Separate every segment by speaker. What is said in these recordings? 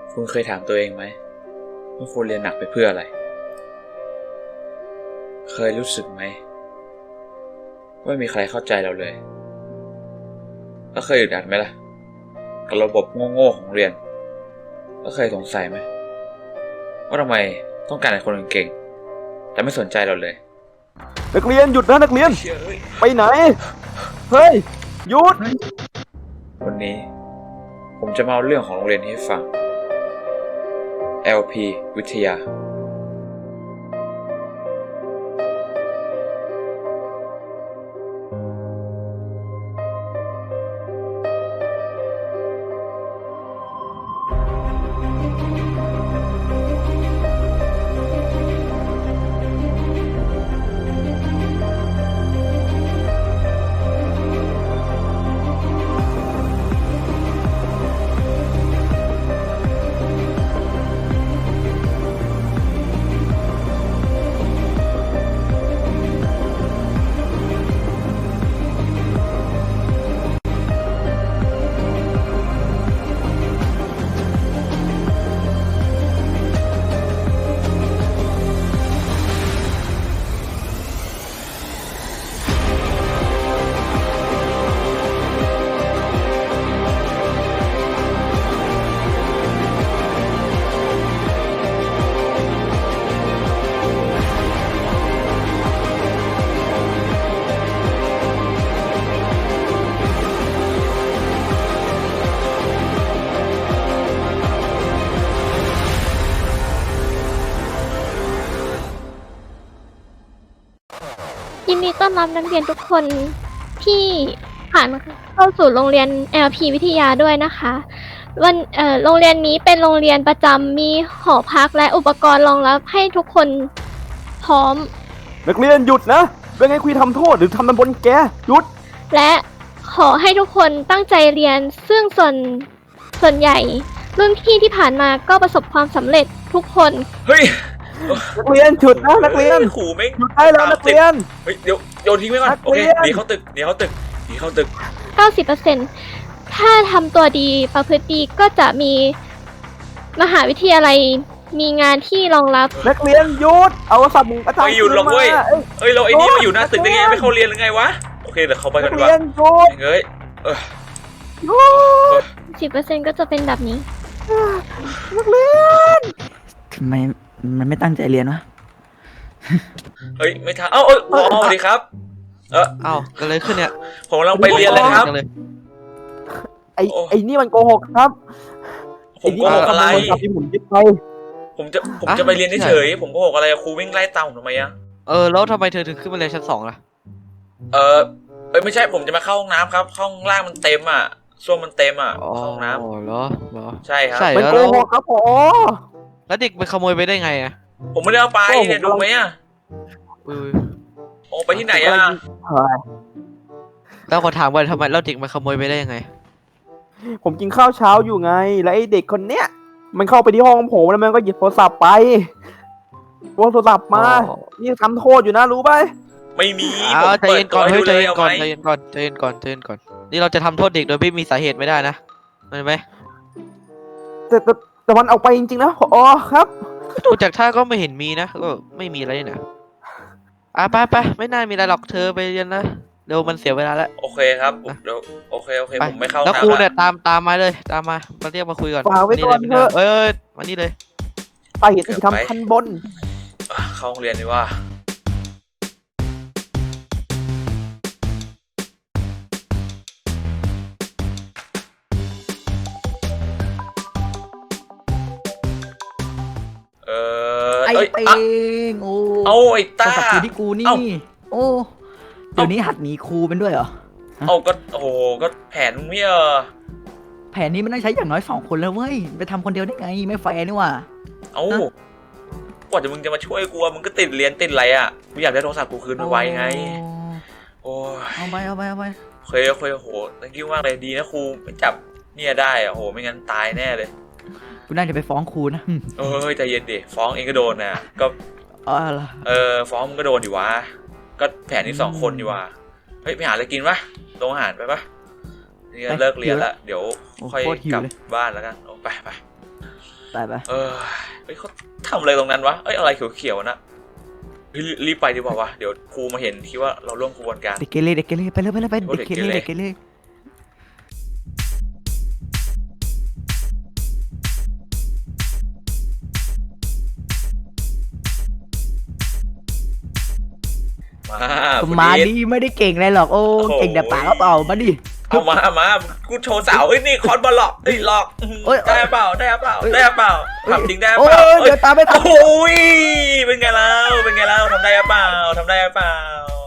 Speaker 1: คุณเคยถามตัวเองไหมว่าคุณเรียนหนักไปเพื่ออะไรเคยรู้สึกไหมว่าไม่มีใครเข้าใจเราเลยแล้วเคยอึดอัดไหมล่ะกับระบบโง่ๆของเรียนแล้วเคยสงสัยไหมว่าทำไมต้องการให้คนเก่งแต่ไม่สนใจเราเลย
Speaker 2: นักเรียนหยุดนะนักเรียนไปไหนเฮ้ยหยุด
Speaker 1: วันนี้ผมจะมาเอาเรื่องของโรงเรียนนี้ให้ฟัง LP วิทยา
Speaker 3: ยินดีต้อนรับนักเรียนทุกคนที่ผ่านเข้าสู่โรงเรียน LP วิทยาด้วยนะคะโรงเรียนนี้เป็นโรงเรียนประจำมีหอพักและอุปกรณ์รองรับให้ทุกคนพร้อม
Speaker 2: นักเรียนหยุดนะเป็นไงคุยทำโทษหรือทำมันบนแกหยุด
Speaker 3: และขอให้ทุกคนตั้งใจเรียนซึ่งส่วนใหญ่รุ่นพี่ที่ผ่านมาก็ประสบความสำเร็จทุกคน
Speaker 1: เฮ้ย
Speaker 2: นักเรียนหยุดนะนักเรียน
Speaker 1: ขู่ไม่
Speaker 2: หยุดได้แล้วนักเรียน
Speaker 1: เฮ้ยเดี๋ยวโยนทิ้งไว้ก่อนโอเคหนีเข้าตึก
Speaker 3: 90%ถ้าทำตัวดีประพฤติดีก็จะมีมหาวิทยาลัยมีงานที่รองรับ
Speaker 2: นักเรียนหยุดเอาสับมุงอาจารย์
Speaker 1: ไม่หยุดหรอกเว้ยเอ้ยเราไอ้นี่มาอยู่หน้าตึกได้ไงไม่เข้าเรียนหรือไงวะโอเคเดี๋ยวเข้าไปกันดีกว่าเฮ้ย
Speaker 3: 10%ก็จะเป็นแบบนี้
Speaker 2: นักเรียน
Speaker 4: ทำไมมันไม่ตั้งใจเรียนวะ
Speaker 1: เฮ้ยไม่ทันสวัสดีครับ
Speaker 5: ก็เลยขึ้นเนี่ย
Speaker 1: ผมกำลังไปเรียนเลยครับ
Speaker 2: ไอ้นี่มันโกหกครับ
Speaker 1: ผมโกหกอะไร
Speaker 2: ที่ผมยึดไป
Speaker 1: ผมจะไปเรียนเฉยๆผมโกหกอะไรครูวิ่งไล่ตามผมทำไมอะ
Speaker 5: แล้วทำไมเธอถึงขึ้นมาเรียนชั้น2ล่ะ
Speaker 1: ไม่ใช่ผมจะมาเข้าห้องน้ำครับห้องล่างมันเต็มอ่ะส้วมมันเต็มอ่ะห้องน้ำ
Speaker 5: เหรอ
Speaker 1: ใช่ครับ
Speaker 2: มันโกหกครับผม
Speaker 5: แล้วเด็กไปขโมยไปได้ไงอ่ะ
Speaker 1: ผมไม่ได้เอาไปเนี่ยดูไหมอ่ะโอ้ไปที่ไหนอ่ะ
Speaker 5: แล้วขอถามว่าทำไมแล้วเด็กมาขโมยไปได้ยังไง
Speaker 2: ผมกินข้าวเช้าอยู่ไงแล้วไอ้เด็กคนเนี้ยมันเข้าไปที่ห้องผมแล้วมันก็หยิบโทรศัพท์ไปโทรศัพท์มานี่ทำโทษอยู่นะรู้ไหม
Speaker 1: ไม่มี
Speaker 5: ใจเย็นก่อนใจเย็นก่อนนี่เราจะทำโทษเด็กโดยไม่มีสาเหตุไม่ได้นะเห็นไหม
Speaker 2: แต่มันเอาไปจริงๆนะอ๋อครับ
Speaker 5: ดูจากท่าก็ไม่เห็นมีนะก็ไม่มีอะไรนะไปไม่น่ามีอะไรหรอกเธอไปเรียนนะเดี๋ยวมันเสียเวลาแล้ว
Speaker 1: โอเคครับเดี๋ยวโอเคผมไม่เข้า
Speaker 5: แล้วครูเนี่ยตามมาเลยตามมาเรียกมาคุยก่อน
Speaker 2: ฝากไว้ก่อนเถอะ
Speaker 5: มานี่เลย
Speaker 2: ไปเห็นที่ทำทันบน
Speaker 1: เข้าโรงเรียนดีว่า
Speaker 4: ไอ้เอง
Speaker 1: เอาไอ้ตา
Speaker 4: สับที่กูนี่โอ้เดี๋ยวนี้หัดหนีครูเป็นด้วยเหรอ
Speaker 1: ก็โอ้ก็แผนมึงไม่
Speaker 4: แผนนี้มันต้องใช้อย่างน้อย2 คนแล้วเว้ยไปทำคนเดียวได้ไงไม่แฟร์นี่ว่ะ
Speaker 1: กว่าจะมึงจะมาช่วยกูมึงก็ติดเรียนติดอะไรอ่ะกูอยากได้โทรศัพท์กูคืนไวไงโอ้
Speaker 4: เอาไป
Speaker 1: โอเคโหthank youมากเลยดีนะครูไม่จับเนี่ยได้โหไม่งั้นตายแน่เลย
Speaker 4: กูน่าจะไปฟ้องครูนะ
Speaker 1: ใจเย็นดิฟ้องเองก็โดนนะก็ฟ้องมึงก็โดนอยู่วะก็แผนที่2 คนอยู่วะเฮ้ยไปหาอะไรกินปะโรงอาหารไปปะนี่เลิกเรียนแล้วเดี๋ยวค่อยกลับบ้านแล้วกันไป
Speaker 4: ไปไป
Speaker 1: เฮ้ยเขาทำอะไรตรงนั้นวะเอ้ยอะไรเขียวๆนะเฮ้ยรีบไปดีกว่าวะเดี๋ยวครูมาเห็นคิดว่าเราร่วมขบวนการ
Speaker 4: เด็กเกเรเด็กเกเรไปเลยไปเลยไป
Speaker 1: โอ้
Speaker 4: เด็กเกเร
Speaker 1: เด็
Speaker 4: เด็
Speaker 1: ก
Speaker 4: ก
Speaker 1: เก
Speaker 4: เก
Speaker 1: เร
Speaker 4: เร มา
Speaker 1: วัน
Speaker 4: ดิ
Speaker 1: นี้
Speaker 4: ไม่ได้เก่งอะไรหรอกโอ้
Speaker 1: โอ้โห
Speaker 4: เก่งแต่ปากก็เปล่ามาดิ
Speaker 1: เอามากูโชว์สาวเอ้ยนี่คอนบอลหลอกเอ้ยหลอก
Speaker 4: เอ้ย
Speaker 1: ได้เปล่าได้เปล่าได้เปล่าทำจริงได้
Speaker 4: โอ้
Speaker 1: เปล่า
Speaker 4: เดี๋ยวตามไม่ทัน
Speaker 1: โอ้ยเป็นไงแล้วเป็นไงแล้วทำได้เปล่าทำได้เปล่า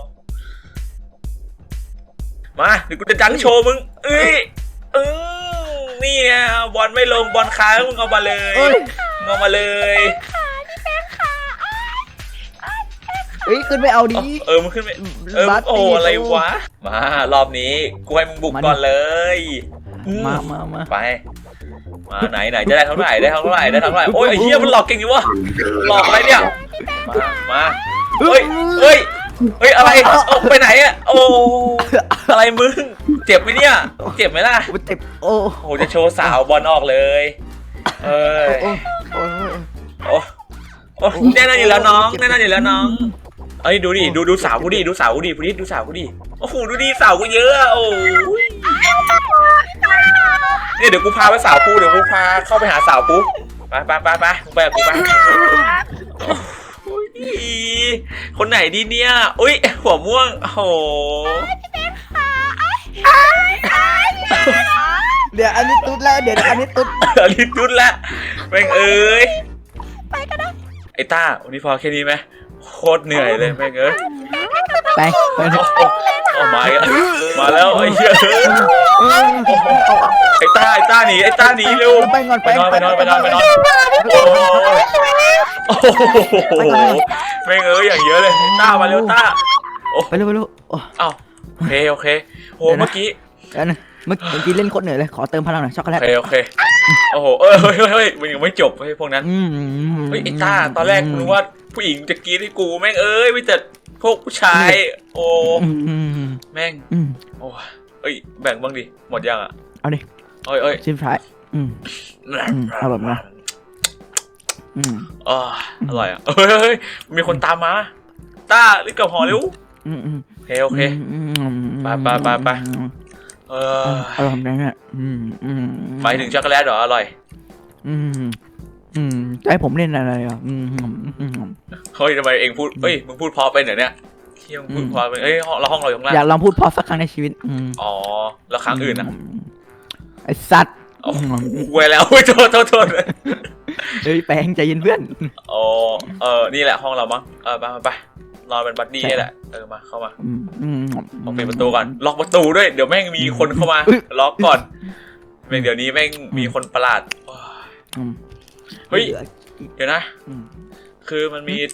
Speaker 1: มาเดี๋ยวกูจะจังโชว์มึงเอ้ยนี่ไงบอลไม่ลงบอลค้างมึงเอามาเลย
Speaker 4: เอ้ย
Speaker 1: มึงเอามาเลย
Speaker 4: เฮ้ยขึ้นไปเอาดิ
Speaker 1: มึงขึ้นไป
Speaker 4: บาส
Speaker 1: โอ้
Speaker 4: ตี
Speaker 1: อะไรวะมารอบนี้กูให้มึงบุก
Speaker 4: มาดิ
Speaker 1: ก่อนเลยอืม
Speaker 4: มา
Speaker 1: ไปมาไหนจะได้เท่าไหร่ได้เท่าไหร่ได้เท่าไหร่โอ้ยไอ้เหี้ยมันหลอกเก่งอยู่วะหลอกอะไรเนี่ยมาเฮ้ยอะไรเอาไปไหนอะโอ้อะไรมึงเจ็บไหมเนี่ยเจ็บไหมล่ะ
Speaker 4: โอ้เจ็บโอ้
Speaker 1: โอ้จะโชว์สาวบอลออกเลยเอ้ย
Speaker 4: โอ้โอ้
Speaker 1: โอ้แน่นอนอยู่แล้วน้องแน่นอนอยู่แล้วน้องเอ้ยดูดิดูสาวกูดิดูสาวกูดิพูดดิดูสาวกูดิโอ้โหดูดิสาวกูเยอะอะโอ้ยเนี่ยเดี๋ยวกูพาไปสาวกูเดี๋ยวกูพาเข้าไปหาสาวกูไปมึงไปกับกูไปโอ้ยคนไหนดีเนี่ยอุ้ยหัวม่วงโอ้โห
Speaker 4: เดี๋ยวอันนี้ตุ๊ดแล้วเดี๋ยวอันนี้ตุ๊ด
Speaker 1: รีบยุดละแม่งเอ้ยไปก็ได้ไอ้ต้าวันนี้พอแค่นี้ไหมโคตรเหนื่อยเลยแม่งเอ้ย
Speaker 4: ไปไป
Speaker 1: โอ้มาอีกแล้วมาแล้วไอ้เหี้ยไอ้ต้าหนีเร็ว
Speaker 4: ไปก่อน
Speaker 1: ไปนอนโอ้โหแม่งเอ้ยอย่างเยอะเลยต้ามาเร็วต้า
Speaker 4: ไปเร็ว
Speaker 1: อ้าวโอเคโหเมื่อกี้
Speaker 4: เมื่อกี้เล่นโคตรเหนื่อยเลยขอเติมพลังหน่อยช็อกโกแลต
Speaker 1: โอเคโอ้โหเฮ้ยมันยังไม่จบเฮ้ยพวกนั้นเฮ้ยไอ้ต้าตอนแรกนึกว่าผู้หญิงจะกรี๊ดให้กูแม่งเอ้ยไม่แต่พวกผู้ชายโอ้แม่งโอ้เอ้ยแบ่งบ้างดิหมดยังอ่ะ
Speaker 4: เอาดิ
Speaker 1: เอ้ย
Speaker 4: ชิมท้ายเอาแบบนั้น
Speaker 1: อร่อยอ่ะเฮ้ยมีคนตามมาต้ารีบกลับหอเร็วโอเคไป
Speaker 4: อร่อยแบบนั้นอ่ะ
Speaker 1: หมายถึงช็อกโกแลตเหรออร่อย
Speaker 4: จะให้ผมเล่นอะไรอ่ะ
Speaker 1: เฮ้ยทำไมเองพูดเฮ้ยมึงพูดพอไปเหรอเนี่ยเที่ยงพูดพอไปเอ้ยเราห้องเราอยู่ข้างล่าง
Speaker 4: อยากลองพูดพอสักครั้งในชีวิต
Speaker 1: อ๋อแล้วครั้งอื่นอ่ะ
Speaker 4: ไอสัตว์
Speaker 1: เว้ยแล้วโทษ
Speaker 4: เฮ้ยแปลงใจเย็นเพื่อน
Speaker 1: อ๋อนี่แหละห้องเรามั้งไปนอนเป็นบัดดี้นี่แหละมาเข้ามาต้องปิดประตูก่อนล็อกประตูด้วยเดี๋ยวแม่งมีคนเข้ามาล็อกก่อนแม่งเดี๋ยวนี้แม่งมีคนประหลาดเฮ้ยเดี๋ยวนะคือมันมี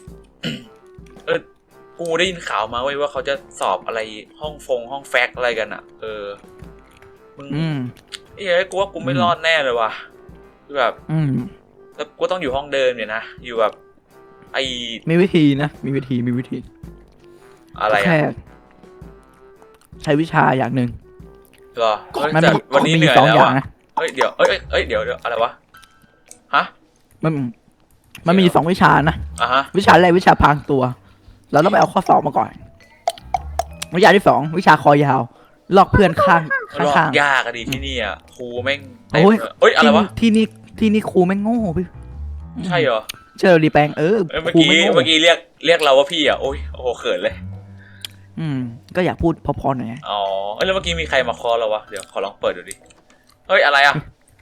Speaker 1: กูได้ยินข่าวมาไว้ว่าเขาจะสอบอะไรห้องแฟกอะไรกันอ่ะมึงกูว่ากูไม่รอดแน่เลยว่ะคือแบบแล้วกูต้องอยู่ห้องเดิมเนี่ยนะอยู่แบบ
Speaker 4: มีวิธีนะมีวิธี
Speaker 1: อะไร
Speaker 4: แค่ใช้วิชาอย่างหนึ่ง
Speaker 1: เหรอแต่วันนี้เหนื่อยแล้วอ่ะเฮ้ยเดี๋ยวอะไรวะฮะ
Speaker 4: มันมี2 วิชานะวิชาแรกวิชาพรางตัวเราต้องไปเอาข้อสอบมาก่อนวิชาที่2วิชาคอยาวลอกเพื่อนข้าง
Speaker 1: ยากอะดิที่นี่อ่ะครูแม่ง
Speaker 4: โอ้ยอะไรวะที่นี่ครูแม่งโง่พี่
Speaker 1: ใช่เหรอ
Speaker 4: เจอรีแปง
Speaker 1: เมื่อกี้เรียกเราว่าพี่อ่ะโอ้โหเขินเลย
Speaker 4: ก็อยากพูดพอๆหน่อย
Speaker 1: อ๋อแล้วเมื่อกี้มีใครมาคอเราวะเดี๋ยวขอลองเปิดดูดิเฮ้ยอะไรอ่ะ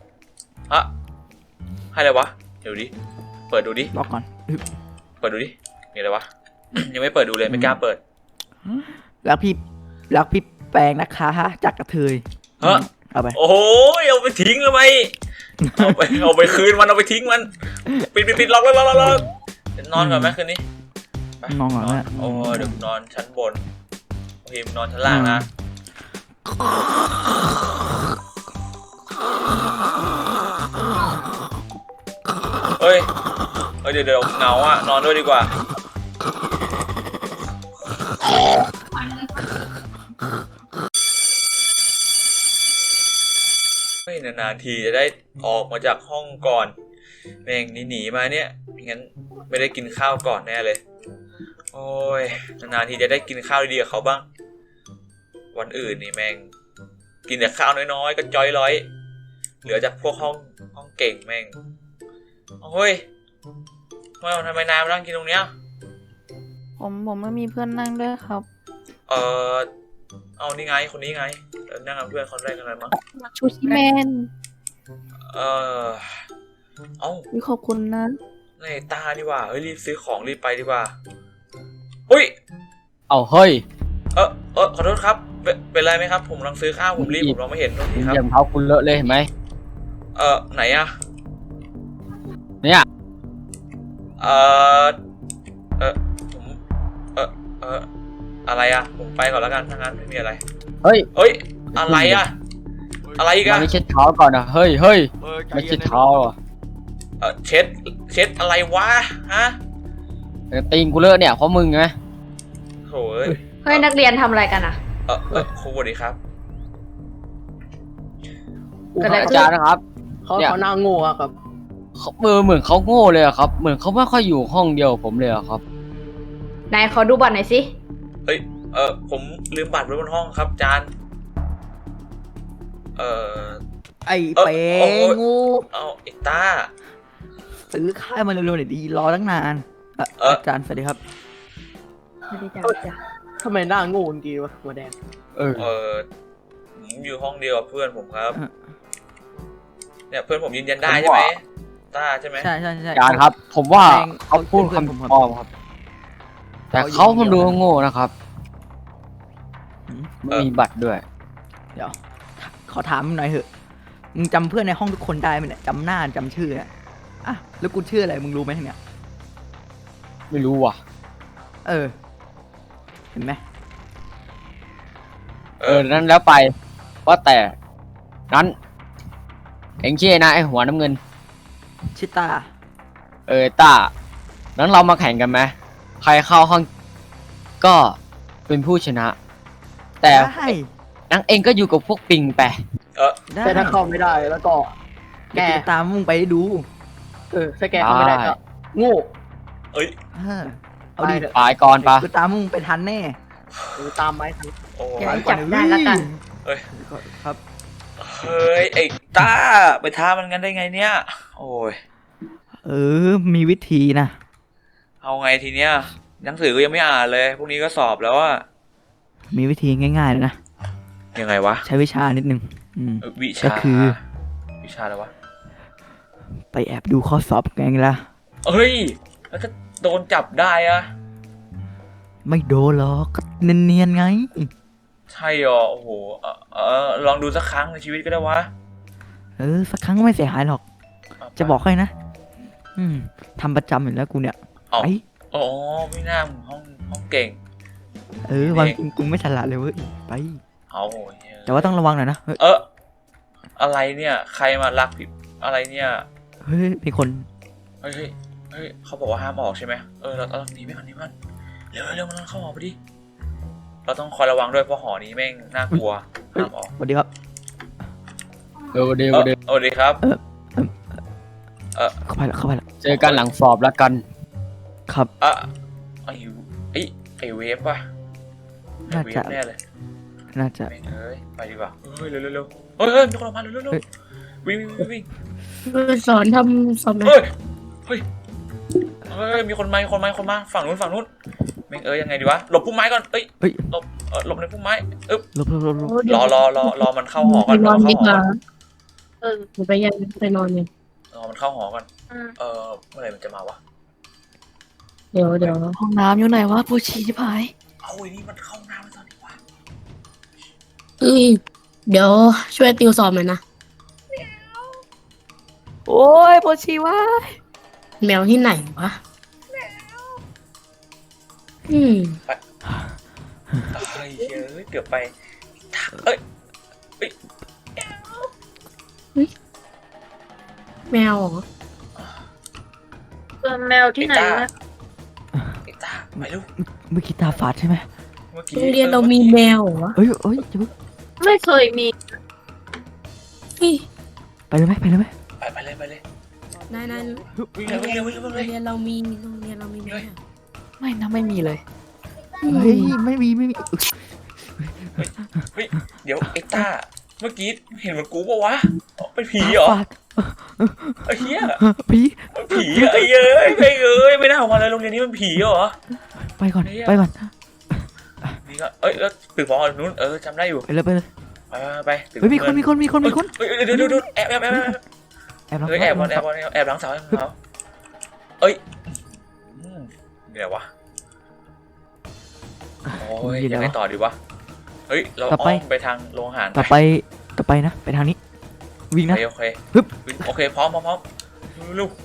Speaker 1: ให้อะไรวะเดี๋ยวดิเปิดดูดิ
Speaker 4: ล็อกก่อน
Speaker 1: เปิดดูดิมีอะไรวะยังไม่เปิดดูเลยไม่กล้าเปิด
Speaker 4: รักพี่แปลงนะคะจากกระเทยเอาไป
Speaker 1: โอ้ยเอาไปทิ้งเลยไหมเอาไปคืนมันเอาไปทิ้งมันปิดล็อกแล้วนอนก่อนไหมคืนนี้
Speaker 4: นอนก่อนนะ
Speaker 1: โอ้เดี๋ยวนอนชั้นบนโอเคนอนชั้นล่างนะเฮ้ยเดี๋ยวเหงาอ่ะนอนด้วยดีกว่าไม่นานๆทีจะได้ออกมาจากห้องก่อนแม่งหนีมาเนี่ยงั้นไม่ได้กินข้าวก่อนแน่เลยโอ้ยนานๆทีจะได้กินข้าวดีๆกับเขาบ้างวันอื่นนี่แม่งกินแต่ข้าวน้อยๆก็จอยร้อยเหลือจากพวกห้องเก่งแม่งโอ้ยทำไมนายมานั่งกินตรงเนี้ย
Speaker 6: ผมไม่มีเพื่อนนั่งด้วยครับ
Speaker 1: เอานี่ไงคนนี้ไงนั่งกับเพื่อนคนแรกกันเลยมั้ง
Speaker 6: ชูชิแมน
Speaker 1: เอ้า
Speaker 6: วิขอบคุณนะ
Speaker 1: ในตาดีกว่าเฮ้ยรีบซื้อของรีบไปดีกว่าอุ้ย
Speaker 7: เอาเฮ้ย
Speaker 1: ขอโทษครับเป็นไรไหมครับผมกำลังซื้อข้าวผมรีบผมมองไม่เห็นโทษทีครับ
Speaker 7: เหยียบเท้าคุณเลอะเลยเห็นไหม
Speaker 1: ไหนอะ
Speaker 7: เนี่ย
Speaker 1: ผมอะไรอะผมไปก่อนแล้วกันถ้างั้นไม่มีอะไร
Speaker 7: เฮ้ย
Speaker 1: เอ้ยอะไรอะอะไรอีก
Speaker 7: มั
Speaker 1: อะ
Speaker 7: นไม่เช็ดเท้าก่อนนะเฮ้ยไม่เช็ดเท้าอ่ะ
Speaker 1: เช็ดอะไรวะฮะ
Speaker 7: ตีนกูเลอะเนี่ยเพราะมึงไง
Speaker 1: โถ่เอ้ย
Speaker 8: เฮ้ยนักเรียนทำอะไรกันอ่ะ
Speaker 1: ครูสวัสดีครับ
Speaker 8: เกิดอะไร
Speaker 7: อา
Speaker 8: ขึ้น
Speaker 7: จารย์นะครับ
Speaker 2: เขา
Speaker 7: เนี่ย
Speaker 2: หน้าโง่ครับ
Speaker 7: เหมือนเขาโง่เลยอะครับ เหมือนเขาไม่ค่อยอยู่ห้องเดียวกับผมเลยอะครับ
Speaker 8: นายขอดูบัตรหน่อยสิ
Speaker 1: ผมลืมบัตรไว้บนห้องครับอาจารย์
Speaker 4: ไอ้เป๋
Speaker 1: โอ้ย
Speaker 4: งู
Speaker 1: เอาไอ้ต้า
Speaker 4: ซื้อข้าวมาเร็วๆหน่อยดีรอตั้งนานอาจารย์สวัสดีครับ
Speaker 8: ไม่ได้จ้ะ
Speaker 2: ทำไมหน้าโง่จริงวะหัวแดง
Speaker 1: ผมอยู่ห้องเดียวกับเพื่อนผมครับ
Speaker 4: อ่ะ
Speaker 1: เนี่ยเพื่อนผมยืนยันได้ใช่ไหมต้าใช่ไหม
Speaker 4: ใช่ใช่ใช่
Speaker 7: อาจารย์ครับ ผมว่า
Speaker 4: แม่ง
Speaker 7: เขาพูด
Speaker 4: เป็นเพื่อนผมครับ
Speaker 7: คำปลอมครับ แต่เขามันดูโง่นะครับ
Speaker 4: หืม
Speaker 7: ไม่มีบัตรด้วย
Speaker 4: เดี๋ยวขอถามมึงหน่อยเถอะมึงจำเพื่อนในห้องทุกคนได้ไหมเนี่ยจำหน้าจำชื่อเนี่ยอ่ะแล้วกูชื่ออะไรมึงรู้ไหมเนี่ย
Speaker 7: ไม่รู้ว่ะ
Speaker 4: เห็นไหม
Speaker 7: นั้นแล้วไปว่าแต่นั้นเอ็งชื่อนะไอหัวน้ำเงิน
Speaker 4: ชิต้า
Speaker 7: ต้านั้นเรามาแข่งกันไหมใครเข้าห้องก็เป็นผู้ชนะ แต่
Speaker 4: ได้
Speaker 7: นังเองก็อยู่กับพวกปิงไป
Speaker 4: ได้
Speaker 2: แต่ถ้าเข้าไม่ได้แล้วก็
Speaker 4: แกตามมึงไปดู
Speaker 2: ถ้าแกเข้าไม่ได้ก็โง่
Speaker 4: เออเอาดิ
Speaker 2: ไปเถอะ
Speaker 7: ไปก่อนปะ
Speaker 4: กูตามมึงไปทันแน่
Speaker 2: ตามไม้ทัน
Speaker 1: โอ้
Speaker 8: เดี๋ยวจับได้แล้วกัน
Speaker 4: ครับ
Speaker 1: เฮ้ยไอ้ต้าไปท้ามันกันได้ไงเนี่ย โอ้ย
Speaker 4: มีวิธีนะ
Speaker 1: เอาไงทีเนี้ยหนังสือก็ยังไม่อ่านเลยพรุ่งนี้ก็สอบแล้วอะ
Speaker 4: มีวิธีง่ายๆเลยนะ
Speaker 1: ยังไงวะ
Speaker 4: ใช้วิชานิดนึง
Speaker 1: วิ
Speaker 4: ก็
Speaker 1: ชา
Speaker 4: คือ
Speaker 1: วิชาอะไรวะ
Speaker 4: ไปแอบดูข้อสอบไงล่ะ
Speaker 1: เฮ้ยแล้วถ้าโดนจับได้อะ
Speaker 4: ไม่โดนหรอกก็เนียนๆไง
Speaker 1: ใช่หรอโอ้โหลองดูสักครั้งในชีวิตก็ได้วะ
Speaker 4: สักครั้งก็ไม่เสียหายหรอก
Speaker 1: เอาไป
Speaker 4: จะบอกให้นะ ทำประจำอยู่แล้วกูเนี่ย
Speaker 1: เอา
Speaker 4: ไป
Speaker 1: อ๋อไม่น่ามึงห้องเก่ง
Speaker 4: วันจริงกูไม่ฉลาดเลยเว้ย ไป
Speaker 1: เอา
Speaker 4: แต่ว่าต้องระวังหน่อยนะเฮ้ย
Speaker 1: อะไรเนี่ย ใครมารักผิดอะไรเนี่ย
Speaker 4: เฮ้ยมีคน
Speaker 1: เฮ้ยเขาบอกว่าห้ามออกใช่ไหมเราต้องหนีไปก่อนนี่มันเร็วมันเข้าหอไปดิเราต้องคอยระวังด้วยเพราะหอนี้แม่งน่ากลัวห้ามออก
Speaker 4: สวัสดีครับ
Speaker 7: เดี๋ยว
Speaker 1: สวัสดีครับ
Speaker 4: เข้าไปแล้ว
Speaker 7: เจอกันหลังสอบแล้วกัน
Speaker 4: ครับ
Speaker 1: ไอเวฟป่ะไอ
Speaker 4: น่า
Speaker 1: เว
Speaker 4: จะ
Speaker 1: ฟแน่เลย
Speaker 4: น่าจะ
Speaker 1: แม่งไปดีกว่าเฮ้ยเร็วเฮ้ยมีคนออกมาเร็ววิ่ง
Speaker 8: สอนทำสอบไหม
Speaker 1: เฮ้ยมีคนมาฝั่งนู้นแม่งยังไงดีวะหลบพุ่มไม้ก่อนหลบในพุ่มไม้
Speaker 4: ลบ
Speaker 1: รอมันเข้าหอก่อนรอมันเข้าหอก่อน
Speaker 8: ไปยังไปนอนเนี่ย
Speaker 1: รอมันเข้าหอก่อนเมื่อไหร่มันจะมาวะ
Speaker 8: เดี๋ยว
Speaker 6: ห้องน้ำอยู่ไหนวะปูชีชิบหาย
Speaker 1: เอาไอ้นี่มันเข้าน้ำตอนนี้วะ
Speaker 8: เดี๋ยวช่วยติวสอบหน่อยนะ
Speaker 6: โอ้ยปูชีวะ
Speaker 8: แมวที่ไหนวะ
Speaker 1: เฮ้ยเกือบไป
Speaker 8: แมวเหรอ
Speaker 6: แมวที่ไหนวะ
Speaker 1: ไอ้ตาไปลูก
Speaker 4: เมื่อกี้ตาฝาดใช่ไหม
Speaker 8: โรงเรียนเรามีแมวเหรอวะ
Speaker 4: เฮ้ยจะ
Speaker 6: ไม่เคยมี
Speaker 8: เฮ้ย
Speaker 4: ไปเลยไหม
Speaker 1: ไปเลย
Speaker 8: นาย
Speaker 1: วิ่งเลยวิ่งเลยวิ่ง
Speaker 8: โรง
Speaker 1: เลย
Speaker 8: เรียนเรามีแมว
Speaker 6: ไม่นะไม่มีเลย
Speaker 4: เฮ้ยไม่มี
Speaker 1: เฮ้ยเดี๋ยวไอ้ต้าเมื่อกี้เห็นเหมือนกูปะวะเป็นผีเหรอ
Speaker 4: ฝาก
Speaker 1: ไอ้เหี้ย
Speaker 4: ผี
Speaker 1: ผีอะไอ้เอ้ยไม่น่าออกมาเลยโรงเรียนนี้มันผีเหรอ
Speaker 4: ไปก่อน
Speaker 1: เฮ้ย
Speaker 4: ไปก่อน
Speaker 1: นี่ก็แล้วตึกพอนู้นจำได้อยู่
Speaker 4: ไปเลยไปเลย
Speaker 1: ไป
Speaker 4: เฮ้ยมีคน
Speaker 1: เฮ้ยเดี๋ยวแอบ
Speaker 4: แอบแล้ว
Speaker 1: แอบหลังเสาเอ้ยนี่ไหนวะโอ้ยยังไงต่อดีวะเฮ้ยเราอ้อมไปทางโรงอาหาร
Speaker 4: ต่อไปนะไปทางนี้วิ่งนะ
Speaker 1: โอเค
Speaker 4: ฮึบ
Speaker 1: โอเคพร้อมลูก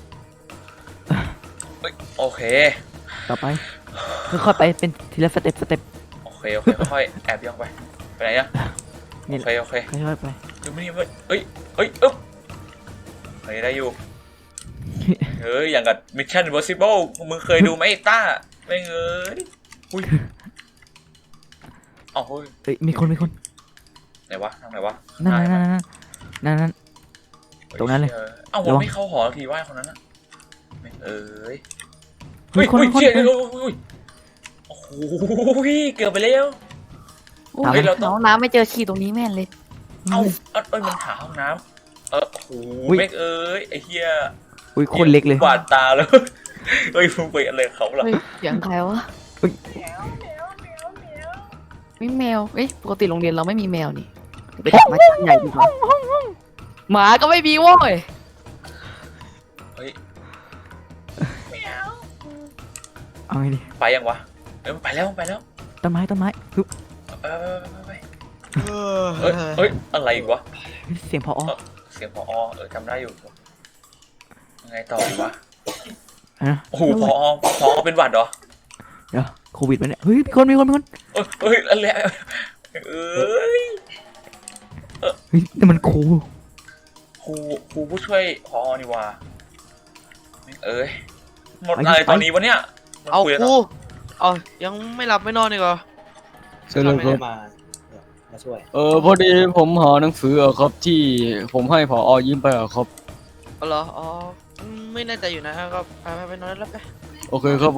Speaker 1: โอเค
Speaker 4: ต่อไปค่อยๆไปเป็นทีละสเต็ป
Speaker 1: โอเคค่อยแอบย่องไปไหนอะโอเค
Speaker 4: ค่อยๆไป
Speaker 1: ดูไม่นี่เอ้ยอึ๊บเฮ้ยได้อยู่เฮ้ยอย่างกับ Mission Impossible มึงเคยดูไหมไอ้ต้าไม่เอ้ยอุ้ยเฮ้ย
Speaker 4: เฮ้ยมีคน
Speaker 1: ไหนวะทางไหนวะ
Speaker 4: นั่น ตรงนั้นเลย
Speaker 1: เอ้า
Speaker 4: ระวัง
Speaker 1: ไม่เข้าหอทีว่าคนนั้นนะเอ้ย
Speaker 4: มีคน
Speaker 1: เชี่ยโอ้โหเกือบไปแล้ว
Speaker 6: โอ้
Speaker 1: เฮ้
Speaker 6: ย
Speaker 1: ยเราต้อง
Speaker 6: น้องน้ำไม่เจอขี้ตรงนี้แม่นเลย
Speaker 1: เอ้ามันหาห้องน้ำโอ้โหเมกเอ้ยไอ้เหี้ย
Speaker 4: อุ้ยคนเล็กเลย
Speaker 1: บาดตาแล้วเฮ้ยมึงไปอะไรเขาหรอ
Speaker 6: เฮ้ยเสียงใครวะ
Speaker 4: เฮ้ย
Speaker 6: ไม่แมวเอ้ยปกติโรงเรียนเราไม่มีแมวนี่ไปดักมาชั้นใหญ่ดีกว่าหมาก็ไม่มีโว้ย
Speaker 1: เฮ้ย
Speaker 4: เอาไงดี
Speaker 1: ไปยังวะมันไปแล้ว
Speaker 4: ต้นไม้ฮึบ
Speaker 1: ไปเฮ้ยอะไรอีกวะ
Speaker 4: เสียงพอ
Speaker 1: เสียงผอจำได้อยู่ยังไงต่อวะ
Speaker 4: นะ
Speaker 1: โอ้โหผอเป็นหวัดเหรอ
Speaker 4: เดี๋ยวโควิดไปเนี่ยเฮ้ยมีคน
Speaker 1: เฮ้ยอะไรเอ้ย
Speaker 4: เฮ้ยนี่มันครู
Speaker 1: ครูผู้ช่วยผอนี่วะเอ้ยหมดอะไรตอนนี้วะเนี่ย
Speaker 5: เอา
Speaker 1: คุยกัน
Speaker 5: กู
Speaker 1: ต่อ
Speaker 5: เอายังไม่หลับไม่นอนอีกเหรอ
Speaker 7: เชิญเลยครับ
Speaker 9: มาช่วย
Speaker 7: พอดีผมหาหนังสือครับที่ผมให้ผอยืมไปครับ
Speaker 5: เอาเหรออ๋อไม่แน่ใจอยู่นะครับ ไปนอนแล้วไป
Speaker 7: โอเคครับ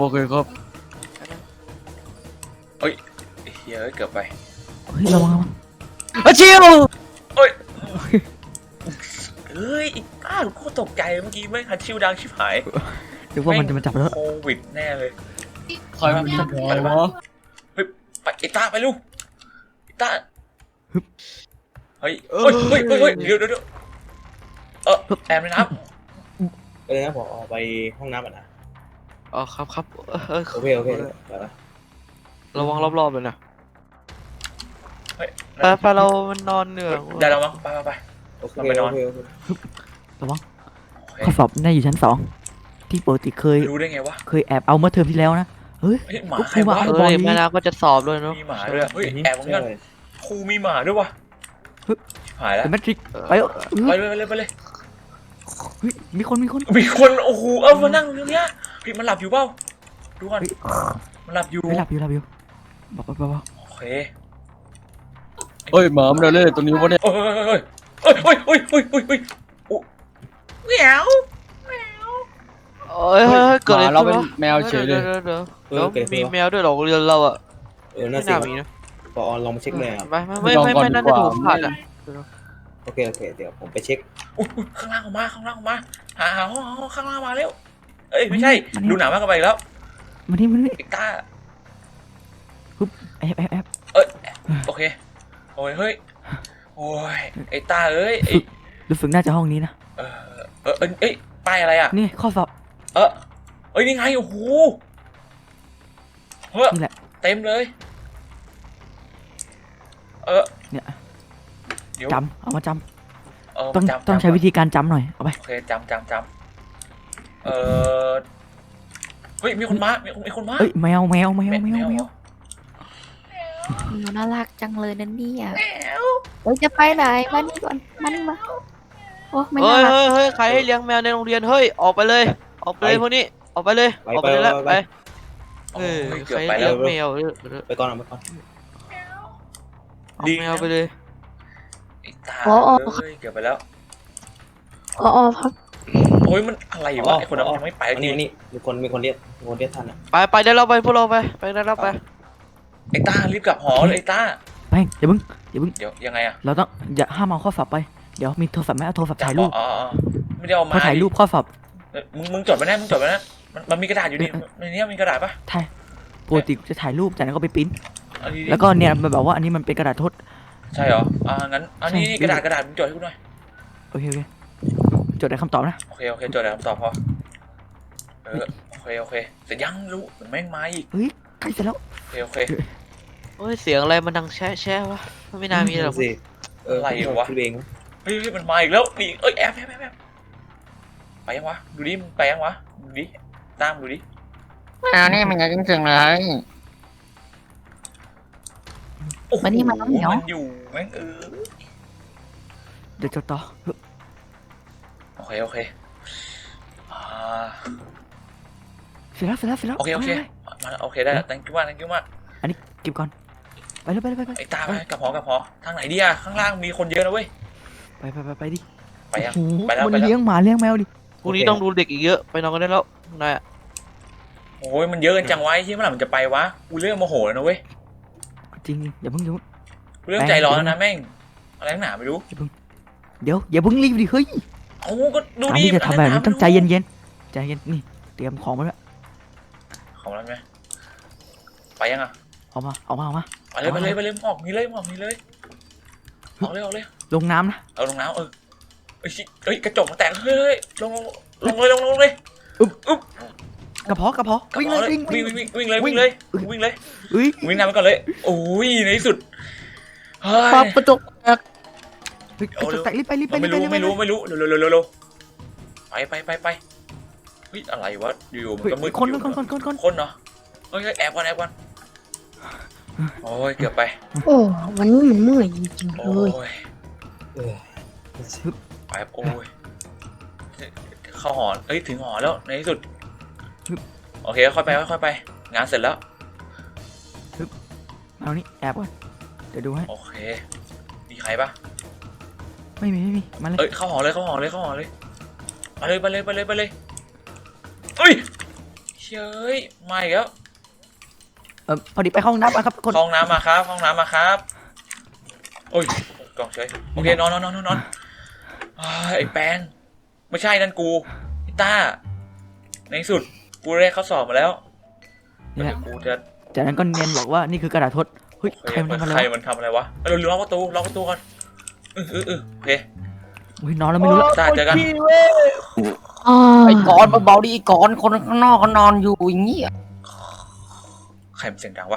Speaker 1: เฮ้ยเกือบไป
Speaker 4: เฮ้ยระวัง
Speaker 7: อาชิว
Speaker 1: เฮ้ยอีกอ้าวกูตกใจเมื่อกี้ไม่คันชิวดังชิบหาย
Speaker 4: นึกว่ามันจะมาจับแล้ว
Speaker 1: โควิดแน่เลย
Speaker 7: ใครมันจะบอกวะ
Speaker 1: ไปไอ้ต้าไปลูกไอ้ต้า
Speaker 4: ฮึบ
Speaker 1: เฮ้ยเดี๋ยวแอบเลยนะครับ
Speaker 9: นะผมออกไปห้องน้ำก่อนนะ
Speaker 5: อ๋อครับ
Speaker 9: โอเคไปละ
Speaker 5: ระวังรอบๆเลยนะ
Speaker 1: เฮ้ย
Speaker 5: ไปเรามันนอนเหนื่อย
Speaker 1: ได้แล้วมั้งไป
Speaker 9: โอเค
Speaker 1: ไปนอน
Speaker 4: ระวัง
Speaker 1: โอเค
Speaker 4: ข้อสอบน่าอยู่ชั้น2ที่ปกติเคย
Speaker 1: รู้ได้ไงวะ
Speaker 4: แอบเอาเมื่อเทอมที่แล้วนะเฮ้ย
Speaker 1: เฮ้ยหมา
Speaker 4: ก็
Speaker 1: ใค
Speaker 4: ค
Speaker 1: ร
Speaker 4: รู
Speaker 1: วะ
Speaker 4: ว่า
Speaker 5: เอ้ยแม่นาก็จะสอบด้วยเนาะ
Speaker 1: มีหมาด้วยเฮ้ยแอบเหมือนกันครูมีหมาด้วยวะหายแล้ว
Speaker 4: เป็นแมทริกไปเถอะ
Speaker 1: ไปเลย
Speaker 4: เฮ้ยมีคน
Speaker 1: มีคนโอ้โหมานั่งตรงเนี้ยพี่มันหลับอยู่เปล่าดูก่อนมันหลับอยู่
Speaker 4: ไม่หลับอยู่บอก
Speaker 1: โอเค
Speaker 7: เฮ้ยหมามันเล่นตัวนี้วะเนี่ย
Speaker 1: เฮ้ยเหมียว
Speaker 5: เกิดอะไร
Speaker 7: เรา
Speaker 5: ขึ้น
Speaker 7: เป็น
Speaker 5: วะ
Speaker 7: แมวเฉยเลย
Speaker 5: แล้วมีแมวด้วยเหรอโรงเรียนเราอ่ะ
Speaker 9: น่า
Speaker 5: ไม่
Speaker 9: สิ
Speaker 5: น่ามีนะ
Speaker 9: พอลองมาเช็คเลยครับ
Speaker 5: ไม่น่าจะถูกผ่านอ่ะ
Speaker 9: โอเคเดี๋ยวผมไปเช็ค
Speaker 1: ข้างล่างออกมาหาห้องข้างล่างมาเร็วเอ้ยไม่ใช่ดูหนังมากกันไปแล้ว
Speaker 4: มานี่
Speaker 1: ไอ้ต้า
Speaker 4: แอบ
Speaker 1: โอเคโอ้ยเฮ้ยโอ้ยไอ้ต้าเอ้ย
Speaker 4: รู้สึกน่าจะห้องนี้นะ
Speaker 1: เอ้ยป้ายอะไรอ่ะ
Speaker 4: นี่ข้อสอบ
Speaker 1: เอ้ยนี่ไงโอ้โหเฮ้ย
Speaker 4: นี่แหละ
Speaker 1: เต็มเลย
Speaker 4: เนี่ย
Speaker 1: เดี๋ยว
Speaker 4: จำเอามาจำ
Speaker 1: ต้
Speaker 4: ต้องใช้วิธีการจำหน่อยเอาไป
Speaker 1: โอเคจำเฮ้ยมีคนมามีคนมา
Speaker 4: เอ้ยแมว
Speaker 6: หนูน่ารักจังเลยนั่นเนี่ยเฮ้ยจะไปไหนมานี่ก่อนมานี่มาโอ้ไม่น่ารัก
Speaker 5: เฮ้ยใครให้เลี้ยงแมวในโรงเรียนเฮ้ยออกไปเลยพวกนี้ออกไปเลยแล้วไปใครเลี้ยงแมว
Speaker 9: ไปก่อน
Speaker 5: เอาแมวไปเลย
Speaker 1: ไอ้ตาเกือบไปแล้ว
Speaker 8: อ๋อครับ
Speaker 1: โอ้ยมันอะไรวะไอคนนั้นมันไม่ไป
Speaker 9: อันนี้มีคนเรียกท่านอ่ะ
Speaker 5: ไปเดี๋ยวเราไปพวกเราไปได้แล้วไป
Speaker 1: ไอต้ารีบกลับหอเลยไอต้า
Speaker 4: แป้งอย่าเพิ่ง
Speaker 1: เดี๋ยวยังไงอะ
Speaker 4: เราต้องอย่าห้ามเอาข้อสอบไปเดี๋ยวมีโทรศัพท์ไหมเอาโทรศัพท์ถ่ายรูป
Speaker 1: อ๋อไม่ได้เอามา
Speaker 4: พอถ่ายรูปข้อสอบ
Speaker 1: มึงจดไปนะมันมีกระดาษอยู่นี่ในนี้มีกระดาษปะ
Speaker 4: ถ่ายปกติจะถ่ายรูปจากนั้นก็ไปปริ้น
Speaker 1: เอาดีๆ
Speaker 4: แล้วก็เนี่ยมันแบบว่าอันนี้มันเป็นกระดาษทด
Speaker 1: ใช่เหรองั้นอันนี้
Speaker 4: ใช่
Speaker 1: กระดาษมึงจดให้กูหน่อย
Speaker 4: โอเคจดได้คำตอบนะ
Speaker 1: โอเคจดได้คำตอบพอโอเคเสร็จยังรู้แม่งมาอีก
Speaker 4: เฮ้ยใกล้เสร็จแล้ว
Speaker 1: โอเค
Speaker 5: โอ้ยเสียงอะไรมันดังแช่วะไม่น่ามีหรอก
Speaker 9: สิคือเอง
Speaker 1: เฮ้ยมันมาอีกแล้วนี่แอบไปยังวะดูดิมึงไปยังวะดูดิตามดูดิ
Speaker 7: นี่มันจะจริงๆเลย
Speaker 1: โอ้โห
Speaker 6: มานี่มาน้องเหมียว
Speaker 1: มันอยู่แม่ง
Speaker 4: เดี๋ยวจดต่อ
Speaker 1: โอเค
Speaker 4: เสร็จแล้ว
Speaker 1: โอเค
Speaker 4: ไป
Speaker 1: มาโอเคได้ thank you มาก
Speaker 4: อันนี้เก็บก่อนไปเลย
Speaker 1: ไอ้ตาไปกับหอทางไหนดีอะข้างล่างมีคนเยอะนะเว้ย
Speaker 4: ไปดิ
Speaker 1: ไปยัง
Speaker 4: โอ้โห
Speaker 1: ไปแล้ว
Speaker 4: มันเลี้ยงหมาเลี้ยงแมวดิ
Speaker 5: พรุ่งนี้ต้องดูเด็กอีกเยอะไปนอนกันได้แล้วนาย
Speaker 1: โอ้ยมันเยอะกันจังวะที่เมื่อไหร่มันจะไปวะกูเริ่มโมโหแล้วนะเว้ย
Speaker 4: จริงอย่าเพิ่ง
Speaker 1: กูเริ่มใจร้อนแล้วนะแม่งอะไรหนาไม่รู้
Speaker 4: เดี๋ยวอย่าเพิ่งรีบดิเฮ้ย
Speaker 1: เอ้าก็ดู
Speaker 4: การ
Speaker 1: ดิ
Speaker 4: ที่จะทำแบบนี้ต้องใจเย็นนี่เตรียมของมาแล้ว
Speaker 1: ของแล้วไหมไปยังอะ
Speaker 4: เอามา
Speaker 1: ไปเลยออกมีเลยออกเลย
Speaker 4: ลงน้ำนะ
Speaker 1: เอาลงน้ำเอ้ยกระจกมันแตกเฮ้ยลงเลย
Speaker 4: กระเพาะวิ่งเลย
Speaker 1: วิ่งเลย
Speaker 4: อุ้ย
Speaker 1: วิ่งน้ำไปก่อนเลยโอ้ยในที่สุดเฮ้
Speaker 7: ป
Speaker 1: ย
Speaker 7: กระจกแตก
Speaker 4: กระจกแตกรีบไป
Speaker 1: ไม่รู้เร็วไปเฮ้ยอะไรวะอยู่มันก็มืด
Speaker 4: คน
Speaker 1: คนเนาะเฮ้ยแอบก่อนโอ้ยเกือบไป
Speaker 8: โอ้วันนี้มันเมื่อยจริงๆ
Speaker 1: โอ้
Speaker 8: เลย
Speaker 1: ยไปโอ้ยเข้าหอถึงหอแล้วในที่สุดโอเคค่อยไปงานเสร็จแล้ว
Speaker 4: เอานี่แอบก่อนเดี๋ยวดูให้
Speaker 1: โอเคมีใครปะ
Speaker 4: ไม่มีมาเลย
Speaker 1: เข้าหอเลยไปเลยเฮ้ยเฮ้ยมาอีกแล้ว
Speaker 4: พอดีไปห้องน้ำมาครับคน
Speaker 1: ห้องน้ำมาครับโอ้ยกล่องเฉยโอเคนอนไอ้แปงไม่ใช่นั่นกูไอ้ต้าในที่สุดกูได้เข้าสอบมาแล้ว
Speaker 4: เนี่ย
Speaker 1: กูจะ
Speaker 4: จากนั้นก็เนียนบอกว่านี่คือกระดาษทดเฮ้ยใครมันทำอะไร
Speaker 1: มันทำอะไรวะเราล็อกประตูก่อนโอเค
Speaker 4: อุ้ยนอนแล้วไม่รู้แล้ว
Speaker 1: ต้าเจอกัน
Speaker 7: ไอ้กอนเบาๆดิไอ้กอนคนข้างนอกเขานอนอยู่อย่างนี้
Speaker 1: ใครมันเสียงดังวะ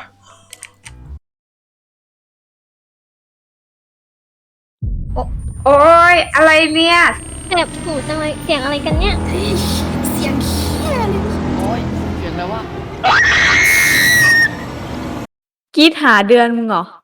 Speaker 10: โอ้ยอะไรเนี่ย
Speaker 3: แสบหูจังเลยเสียงอะไรกันเนี่ย
Speaker 6: เสียงเหี้ยเลย
Speaker 7: โอ้ยเสียงอะไรวะ
Speaker 10: กรีดหาเดือนมึงเหรอ